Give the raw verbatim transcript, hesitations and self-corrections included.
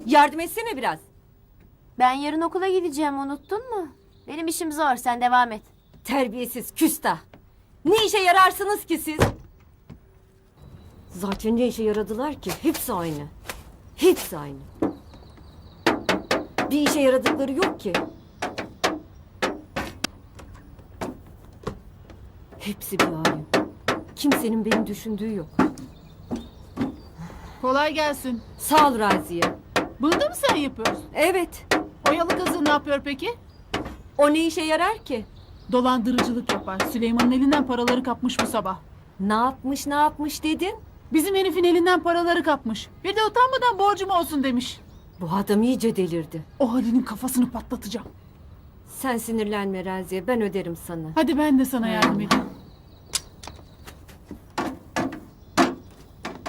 Yardım etsene biraz. Ben yarın okula gideceğim, unuttun mu? Benim işim zor, sen devam et. Terbiyesiz küstah. Ne işe yararsınız ki siz? Zaten ne işe yaradılar ki? Hepsi aynı. Hepsi aynı. Bir işe yaradıkları yok ki. Hepsi bir alim. Kimsenin beni düşündüğü yok. Kolay gelsin. Sağ ol Raziye. Bunu da mı sen yapıyorsun? Evet. Oyalı kızı ne yapıyor peki? O ne işe yarar ki? Dolandırıcılık yapar. Süleyman'ın elinden paraları kapmış bu sabah. Ne yapmış ne yapmış dedin? Bizim herifin elinden paraları kapmış. Bir de utanmadan borcum olsun demiş. Bu adam iyice delirdi. O Halil'in kafasını patlatacağım. Sen sinirlenme Raziye, ben öderim sana. Hadi ben de sana yardım edeyim.